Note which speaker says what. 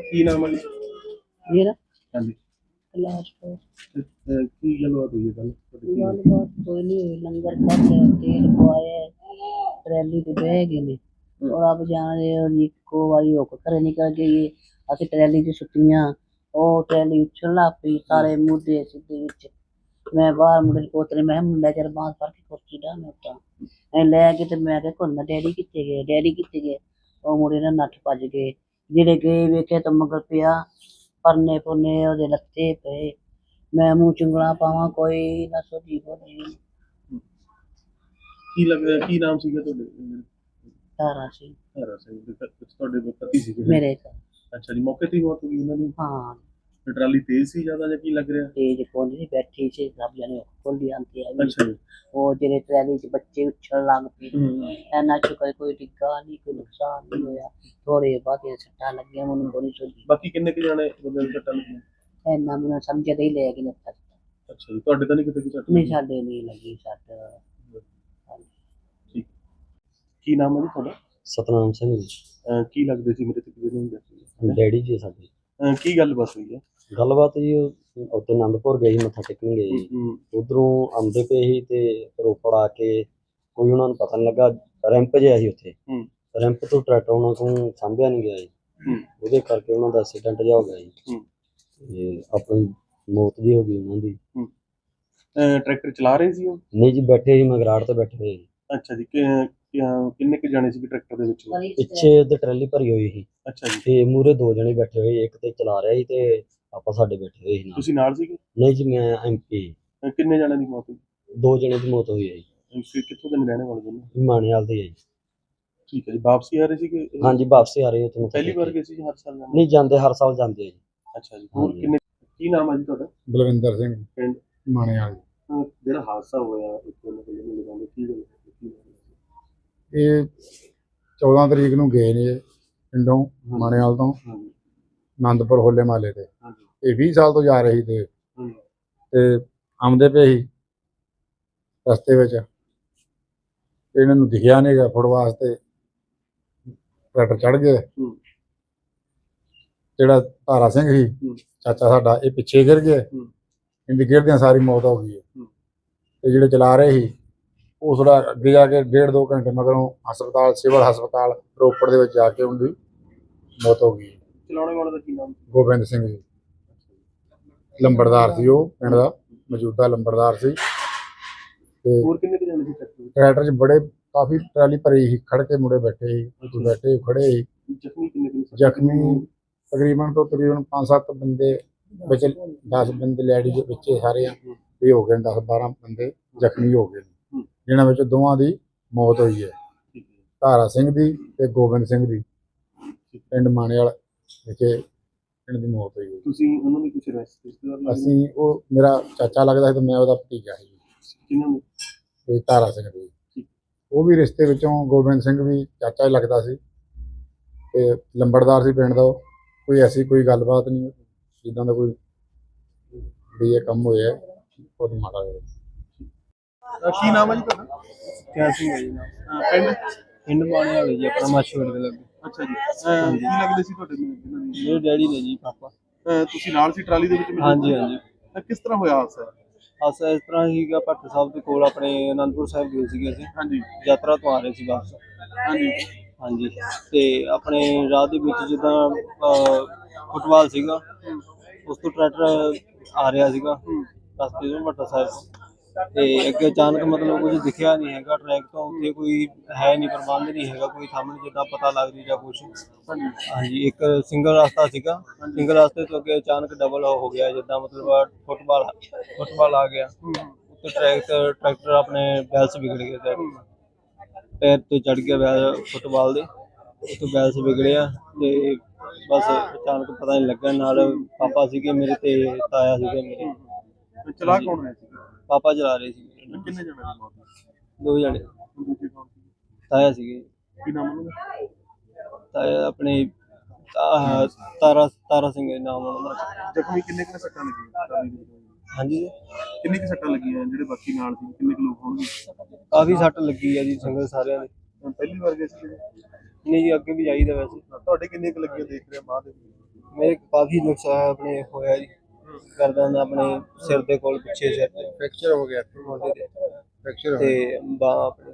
Speaker 1: ਕੀ ਨਾਮ ਹੈ ਜੀ?
Speaker 2: ਮੇਰਾ
Speaker 1: ਹਾਂਜੀ।
Speaker 2: ਕਲਾਸ
Speaker 1: ਕੀ ਗੱਲਬਾਤ ਹੋਈ ਹੈ ਕੱਲ?
Speaker 2: ਗੱਲਬਾਤ ਕੋਈ ਨਹੀਂ ਹੋਈ। ਲੰਗਰ ਖਾਧਾ, ਤੇਲ ਪਵਾਇਆ, ਟਰੈਲੀ ਤੇ ਬਹਿ ਗਏ ਨੇ। ਔਰ ਆਪ ਜਾਣਦੇ ਹੋ ਇੱਕੋ ਵਾਰੀ ਹੋ ਕੇ ਘਰੇ ਨਿਕਲ ਗਏ। ਅਸੀਂ ਟਰੈਲੀ 'ਚ ਸੁੱਟੀਆਂ, ਉਹ ਟਰੈਲੀ ਉੱਛਣ ਲੱਗ ਪਈ, ਸਾਰੇ ਮੁੱਦੇ ਸਿੱਧੇ ਵਿੱਚ। ਮੈਂ ਬਾਹਰ ਮੁੰਡੇ ਨੂੰ ਪੋਤਰੇ, ਮੈਂ ਕਿਹਾ ਮੁੰਡਾ ਚਿਰ ਬਾਂਹ ਫੜ ਕੇ ਕੁਰਸੀ ਢਾਹ ਮੈਂ ਉੱਤਾਂ ਐ ਲੈ ਕੇ ਤੇ ਮੈਂ ਕਿਹਾ ਘੁੰਨਾ ਡੈਡੀ ਕਿੱਥੇ ਗਏ, ਡੈਡੀ ਕਿੱਥੇ ਗਏ? ਉਹ ਮੁੰਡੇ ਨਾਲ ਨੱਠ ਭੱਜ ਗਏ। ਜਿਹੜੇ ਗਏ ਵੇਖੇ ਤਾਂ ਮਗਰ ਪਿਆ ਪਰਨੇ ਪੁਰਨੇ ਉਹਦੇ ਲੱਤੇ ਪਏ। ਮੈਂ ਮੂੰਹ ਚੁੰਗਲਾਂ ਪਾਵਾਂ, ਕੋਈ ਨਾ ਸੋਝੀ ਬੋਝੀ।
Speaker 1: ਕੀ ਲੱਗਦਾ ਕੀ ਨਾਮ ਸੀਗਾ ਤੁਹਾਡੇ?
Speaker 2: ਤਾਰਾ ਸੀ
Speaker 1: ਹਰਾ ਸਿੰਘ ਦੇ ਤੁਹਾਡੇ ਪਤੀ ਸੀਗੇ?
Speaker 2: ਮੇਰੇ ਘਰ।
Speaker 1: ਅੱਛਾ ਜੀ, ਮੌਕੇ ਤੇ ਹੀ ਮੌਤ ਹੋ ਗਈ ਉਹਨਾਂ ਦੀ?
Speaker 2: ਹਾਂ,
Speaker 1: ਟਰਾਲੀ ਤੇਜ਼ ਸੀ ਜ਼ਿਆਦਾ ਜਾਂ ਕੀ ਲੱਗ ਰਿਹਾ?
Speaker 2: ਤੇਜ ਕੋਲ ਨਹੀਂ ਬੈਠੀ ਸੀ, ਸਭ ਜਣੇ ਖੋਲੀ ਆਂਦੀ ਹੈ।
Speaker 1: ਅੱਛਾ ਜੀ।
Speaker 2: ਉਹ ਜਿਹੜੇ ਟਰੈਲੀ 'ਚ ਬੱਚੇ ਉੱਛਣ ਲੱਗ ਪਏ। ਇੰਨਾ ਸ਼ੁਕਰ ਕੋਈ ਡਿੱਗਾ ਨਹੀਂ, ਕੋਈ ਨੁਕਸਾਨ ਨਹੀਂ ਹੋਇਆ। ਥੋੜੇ ਬਹੁਤੇ ਸੱਟਾਂ ਲੱਗੀਆਂ, ਮੈਨੂੰ ਕੋਈ ਸੋਝੀ।
Speaker 1: ਬਾਕੀ ਕਿੰਨੇ ਕੁ ਜਾਣੇ ਬੰਦੇ ਨੂੰ ਸੱਟਾਂ ਲੱਗੀਆਂ?
Speaker 2: ਇੰਨਾ ਮੈਨੂੰ ਸਮਝ ਨਹੀਂ ਲੈ ਗਈ ਨੱਥਾ।
Speaker 1: ਅੱਛਾ ਜੀ, ਤੁਹਾਡੇ ਤਾਂ ਨਹੀਂ ਕਿਤੇ ਸੱਟ?
Speaker 2: ਨਹੀਂ, ਸਾਡੇ ਨਹੀਂ ਲੱਗੀ ਸੱਟ।
Speaker 1: ਠੀਕ। ਕੀ ਨਾਮ ਹੈ ਜੀ ਤੁਹਾਡਾ?
Speaker 3: ਸਤਨਾਮ ਸਿੰਘ ਜੀ।
Speaker 1: ਕੀ ਲੱਗਦੇ ਸੀ ਮੇਰੇ ਤੇ ਕਿਹਦੇ
Speaker 3: ਡੈਡੀ ਜੀ ਸਾਡੇ।
Speaker 1: ਕੀ ਗੱਲ ਬਸ ਹੋਈ ਹੈ?
Speaker 3: ਗੱਲਬਾਤ ਜੀ ਉੱਥੇ ਆਨੰਦਪੁਰ ਗਏ ਸੀ, ਮੱਥਾ ਟੇਕਣ ਗਏ ਸੀ। ਉਧਰੋਂ ਆਉਂਦੇ ਪਏ ਸੀ ਤੇ ਰੋਪੜ ਆ ਕੇ ਕੋਈ ਉਹਨਾਂ ਨੂੰ ਪਤਾ ਨਹੀਂ ਲੱਗਾ, ਰੈਂਪ ਜਿਹਾ ਸੀ ਉੱਥੇ। ਰੈਂਪ ਤੋਂ ਟਰੈਕਟਰ ਉਹਨਾਂ ਤੋਂ ਸਾਂਭਿਆ ਨਹੀਂ ਗਿਆ ਜੀ, ਉਹਦੇ ਕਰਕੇ ਉਹਨਾਂ ਦਾ ਐਕਸੀਡੈਂਟ ਜਿਹਾ ਹੋ ਗਿਆ ਜੀ ਤੇ ਆਪਣੀ ਮੌਤ ਜੀ ਹੋ ਗਈ ਉਹਨਾਂ ਦੀ।
Speaker 1: ਟਰੈਕਟਰ ਚਲਾ ਰਹੇ ਸੀ ਉਹ?
Speaker 3: ਨਹੀਂ ਜੀ, ਬੈਠੇ ਸੀ ਮਗਰਾੜ ਤੇ ਬੈਠੇ ਹੋਏ ਜੀ।
Speaker 1: ਅੱਛਾ ਜੀ, ਕਿੰਨੇ ਕੁ ਜਾਣੇ ਸੀ ਟਰੈਕਟਰ ਦੇ ਵਿੱਚ?
Speaker 3: ਪਿੱਛੇ ਤੇ ਟਰਾਲੀ ਭਰੀ ਹੋਈ ਸੀ।
Speaker 1: ਅੱਛਾ ਜੀ।
Speaker 3: ਤੇ ਮੂਹਰੇ ਦੋ ਜਣੇ ਬੈਠੇ ਹੋਏ, ਇੱਕ ਤੇ ਚਲਾ ਰਿਹਾ ਸੀ ਤੇ ਆਪਾਂ ਸਾਡੇ ਬੈਠੇ ਹੋਏ ਸੀ ਨਾਲ।
Speaker 1: ਤੁਸੀਂ ਨਾਲ ਸੀਗੇ?
Speaker 3: ਨਹੀਂ ਜੀ, ਮੈਂ MP।
Speaker 1: ਕਿੰਨੇ ਜਾਣਿਆਂ ਦੀ ਮੌਤ ਹੋਈ?
Speaker 3: ਦੋ ਜਣੇ ਦੀ ਮੌਤ ਹੋਈ ਹੈ ਜੀ।
Speaker 1: ਕਿੱਥੋਂ ਦੇ ਰਹਿਣੇ ਵਾਲੇ ਦੋਨੋਂ?
Speaker 3: ਮਾਣੇਵਾਲ ਦੇ ਹੈ ਜੀ।
Speaker 1: ਠੀਕ ਹੈ ਜੀ, ਵਾਪਸੀ ਆ ਰਹੇ ਸੀਗੇ?
Speaker 3: ਹਾਂਜੀ, ਵਾਪਸੀ ਆ ਰਹੇ ਹੋ ਤੁਹਾਨੂੰ?
Speaker 1: ਪਹਿਲੀ ਵਾਰ ਗਏ ਸੀ ਹਰ ਸਾਲ?
Speaker 3: ਨਹੀਂ, ਜਾਂਦੇ ਹਰ ਸਾਲ ਜਾਂਦੇ ਆ ਜੀ।
Speaker 1: ਅੱਛਾ ਜੀ। ਹੋਰ ਕਿੰਨੇ? ਕੀ ਨਾਮ ਹੈ ਜੀ ਤੁਹਾਡਾ?
Speaker 4: ਬਲਵਿੰਦਰ ਸਿੰਘ,
Speaker 1: ਪਿੰਡ
Speaker 4: ਮਾਣੇਵਾਲ।
Speaker 1: ਜਿਹੜਾ ਹਾਦਸਾ ਹੋਇਆ ਕੀ ਗੱਲ?
Speaker 4: ਇਹ 14 ਤਰੀਕ ਨੂੰ ਗਏ ਨੇ ਪਿੰਡੋਂ ਮਾਣੇਵਾਲ ਤੋਂ ਆਨੰਦਪੁਰ ਹੋਲੇ ਮਹੱਲੇ ਤੇ। ਇਹ 20 ਸਾਲ ਤੋਂ ਜਾ ਰਹੀ ਤੇ ਆਉਂਦੇ ਪਏ ਸੀ ਰਸਤੇ ਵਿੱਚ, ਇਹਨਾਂ ਨੂੰ ਦਿਖਿਆ ਨਹੀਂ ਗਾ ਫੁੱਟ ਵਾਸਤੇ, ਟਰੈਕਟਰ ਚੜ੍ਹ ਗਏ। ਜਿਹੜਾ ਤਾਰਾ ਸਿੰਘ ਸੀ ਚਾਚਾ ਸਾਡਾ, ਇਹ ਪਿੱਛੇ ਗਿਰ ਗਏ। ਇਹਦੀ ਗਿਰਦਿਆਂ ਸਾਰੀ ਮੌਤ ਹੋ ਗਈ ਹੈ। ਤੇ ਜਿਹੜੇ ਚਲਾ ਰਹੇ ਸੀ ਉਹ ਥੋੜਾ ਅੱਗੇ ਜਾ ਕੇ 1.5-2 ਘੰਟੇ ਮਗਰੋਂ ਹਸਪਤਾਲ, ਸਿਵਲ ਹਸਪਤਾਲ ਰੋਪੜ ਦੇ ਵਿੱਚ ਜਾ ਕੇ ਉਹਦੀ ਮੌਤ ਹੋ ਗਈ।
Speaker 1: ਚਲਾਉਣੇ ਵਾਲੇ ਦਾ ਕੀ ਨਾਮ?
Speaker 4: ਗੋਬਿੰਦ ਸਿੰਘ ਜੀ, ਲੰਬੜਦਾਰ ਸੀ ਉਹ ਪਿੰਡ ਦਾ, ਮੌਜੂਦਾ ਲੰਬੜਦਾਰ ਸੀ। ਤੇ
Speaker 1: ਹੋਰ ਕਿੰਨੇ ਕੁ ਜਾਣੇ ਸੀ
Speaker 4: ਟਰੈਕਟਰ 'ਚ ਬੜੇ ਕਾਫੀ ਟਰਾਲੀ ਭਰੀ ਸੀ, ਖੜ ਕੇ ਮੁੰਡੇ ਬੈਠੇ ਸੀ, ਬੈਠੇ ਖੜੇ ਸੀ।
Speaker 1: ਜ਼ਖਮੀ ਕਿੰਨੇ ਕੁ?
Speaker 4: ਜ਼ਖਮੀ ਤਕਰੀਬਨ 5-7 ਬੰਦੇ ਵਿੱਚ, 10 ਬੰਦੇ ਲੈਡੀਜ਼ ਵਿੱਚ ਸਾਰੇ ਇਹ ਹੋ ਗਏ, 10-12 ਬੰਦੇ ਜ਼ਖਮੀ ਹੋ ਗਏ, ਜਿਨ੍ਹਾਂ ਵਿੱਚ ਦੋਵਾਂ ਦੀ ਮੌਤ ਹੋਈ ਹੈ, ਤਾਰਾ ਸਿੰਘ ਦੀ ਤੇ ਗੋਬਿੰਦ ਸਿੰਘ ਦੀ। ਪਿੰਡ ਮਾਣੇਵਾਲ ਵਿਖੇ ਇਹਨਾਂ ਦੀ ਮੌਤ ਹੋਈ ਹੈ।
Speaker 1: ਤੁਸੀਂ ਉਹਨਾਂ ਦੀ ਕੁਝ ਰਿਸ਼ਤੇਦਾਰ?
Speaker 4: ਅਸੀਂ, ਉਹ ਮੇਰਾ ਚਾਚਾ ਲੱਗਦਾ ਸੀ ਤੇ ਮੈਂ ਉਹਦਾ ਭਤੀਜਾ ਸੀ।
Speaker 1: ਕਿਹਨਾਂ ਨੇ?
Speaker 4: ਤੇ ਤਾਰਾ ਸਿੰਘ ਦੀ, ਉਹ ਵੀ ਰਿਸ਼ਤੇ ਵਿੱਚੋਂ ਗੋਬਿੰਦ ਸਿੰਘ ਵੀ ਚਾਚਾ ਹੀ ਲੱਗਦਾ ਸੀ ਤੇ ਲੰਬੜਦਾਰ ਸੀ ਪਿੰਡ ਦਾ। ਕੋਈ ਐਸੀ ਕੋਈ ਗੱਲਬਾਤ ਨਹੀਂ ਜਿੱਦਾਂ ਦਾ ਕੋਈ ਵੀ ਇਹ ਕੰਮ ਹੋਇਆ ਬਹੁਤ ਮਾੜਾ ਹੋਇਆ।
Speaker 1: ਕੀ ਨਾਮ ਹੈ ਜੀ ਤੁਹਾਡਾ?
Speaker 5: ਕਿਆ ਸਿੰਘ ਹੈ ਜੀ ਨਾਮ। ਪਿੰਡ ਮਾਣੇਵਾਲ ਜੀ, ਆਪਣਾ ਮਾਛੀਵਾੜੇ ਦੇ ਲੱਗੇ।
Speaker 1: ਅੱਛਾ ਜੀ। ਕੀ ਲੱਗਦੇ ਸੀ ਤੁਹਾਡੇ?
Speaker 5: ਮੇਰੇ ਡੈਡੀ ਨੇ ਜੀ, ਪਾਪਾ।
Speaker 1: ਤੁਸੀਂ ਨਾਲ ਸੀ ਟਰਾਲੀ ਦੇ ਵਿੱਚ?
Speaker 5: ਹਾਂਜੀ ਹਾਂਜੀ।
Speaker 1: ਕਿਸ ਤਰ੍ਹਾਂ ਹੋਇਆ ਹਾਦਸਾ?
Speaker 5: ਹਾਦਸਾ ਇਸ ਤਰ੍ਹਾਂ ਸੀਗਾ, ਭੱਟ ਸਾਹਿਬ ਦੇ ਕੋਲ ਆਪਣੇ ਅਨੰਦਪੁਰ ਸਾਹਿਬ ਗਏ ਸੀਗੇ ਅਸੀਂ।
Speaker 1: ਹਾਂਜੀ।
Speaker 5: ਯਾਤਰਾ ਤੋਂ ਆ ਰਹੇ ਸੀ ਵਾਪਸ।
Speaker 1: ਹਾਂਜੀ
Speaker 5: ਹਾਂਜੀ। ਤੇ ਆਪਣੇ ਰਾਹ ਦੇ ਵਿੱਚ ਜਿੱਦਾਂ ਫੁੱਟਬਾਲ ਸੀਗਾ, ਉਸ ਤੋਂ ਟਰੈਕਟਰ ਆ ਰਿਹਾ ਸੀਗਾ ਰਸਤੇ ਤੋਂ ਭੱਟ ਸਾਹਿਬ, ਤੇ ਅੱਗੇ ਅਚਾਨਕ ਮਤਲਬ ਕੁਝ ਦਿਖਿਆ ਨਹੀਂ ਹੈਗਾ ਟਰੈਕ ਤੋਂ। ਉੱਥੇ ਕੋਈ ਹੈ ਨਹੀਂ, ਪ੍ਰਬੰਧ ਨਹੀਂ ਹੈਗਾ ਕੋਈ ਸਾਹਮਣੇ ਜਿੱਦਾਂ ਪਤਾ ਲੱਗ ਰਹੀ ਜਾਂ ਕੁਛ। ਹਾਂਜੀ, ਇੱਕ ਸਿੰਗਲ ਰਸਤਾ ਸੀਗਾ, ਸਿੰਗਲ ਰਸਤੇ ਤੋਂ ਅੱਗੇ ਅਚਾਨਕ ਡਬਲ ਹੋ ਗਿਆ, ਜਿੱਦਾਂ ਮਤਲਬ ਫੁੱਟਬਾਲ ਆ ਗਿਆ। ਉੱਤੇ ਟਰੈਕਟਰ ਆਪਣੇ ਬੈਲਸ ਵਿਗੜ ਗਏ, ਪੈਰ ਤੋਂ ਚੜ ਗਿਆ ਬੈਲ ਫੁੱਟਬਾਲ ਦੇ, ਉੱਥੇ ਬੈਲਸ ਵਿਗੜਿਆ ਤੇ ਬਸ ਅਚਾਨਕ ਪਤਾ ਨਹੀਂ ਲੱਗਾ। ਨਾਲ ਪਾਪਾ ਸੀਗੇ ਮੇਰੇ ਤੇ ਤਾਇਆ ਸੀਗੇ ਮੇਰੇ।
Speaker 1: ਚਲਾ ਕੌਣ ਰਿਹਾ ਸੀ?
Speaker 5: ਪਾਪਾ ਚਲਾ ਰਹੇ ਸੀ।
Speaker 1: ਕਿੰਨੇ ਜਣੇ ਦੀ ਮੌਤ?
Speaker 5: 2 ਜਣੇ। ਤਾਇਆ ਸੀਗੇ।
Speaker 1: ਕੀ ਨਾਮ ਉਹਨਾਂ ਦਾ?
Speaker 5: ਤਾਇਆ ਆਪਣੇ ਤਾਰਾ ਸਿੰਘ ਨਾਮ ਉਹਨਾਂ ਦਾ।
Speaker 1: ਜ਼ਖਮੀ ਕਿੰਨੇ ਕੁ ਸੱਟਾਂ ਲੱਗੀਆਂ?
Speaker 5: ਹਾਂਜੀ,
Speaker 1: ਕਿੰਨੀ ਕੁ ਸੱਟਾਂ ਲੱਗੀਆਂ? ਜਿਹੜੇ ਬਾਕੀ ਨਾਲ ਸੀ ਕਿੰਨੇ ਕੁ ਲੋਕ ਹੋਣਗੇ?
Speaker 5: ਕਾਫੀ ਸੱਟ ਲੱਗੀ ਆ ਜੀ ਸੰਗਤ ਸਾਰਿਆਂ ਦੇ।
Speaker 1: ਪਹਿਲੀ ਵਾਰ ਗਏ ਸੀ?
Speaker 5: ਨਹੀਂ ਜੀ, ਅੱਗੇ ਵੀ ਜਾਈਦਾ ਵੈਸੇ।
Speaker 1: ਤੁਹਾਡੇ ਕਿੰਨੇ ਕੁ ਲੱਗੀਆਂ ਦੇਖ ਰਿਹਾ ਬਾਅਦ?
Speaker 5: ਮੇਰੇ ਕਾਫੀ ਨੁਕਸਾਨ ਆਪਣੇ ਹੋਇਆ ਜੀ ਕਰਦਾ ਆਪਣੇ ਸਿਰ ਦੇ ਕੋਲ ਪਿੱਛੇ ਸਿਰ ਤੇ
Speaker 4: ਫ੍ਰੈਕਚਰ ਹੋ ਗਿਆ
Speaker 5: ਮੋਢੇ ਤੇ
Speaker 4: ਫ੍ਰੈਕਚਰ
Speaker 5: ਤੇ ਬਾਂਹ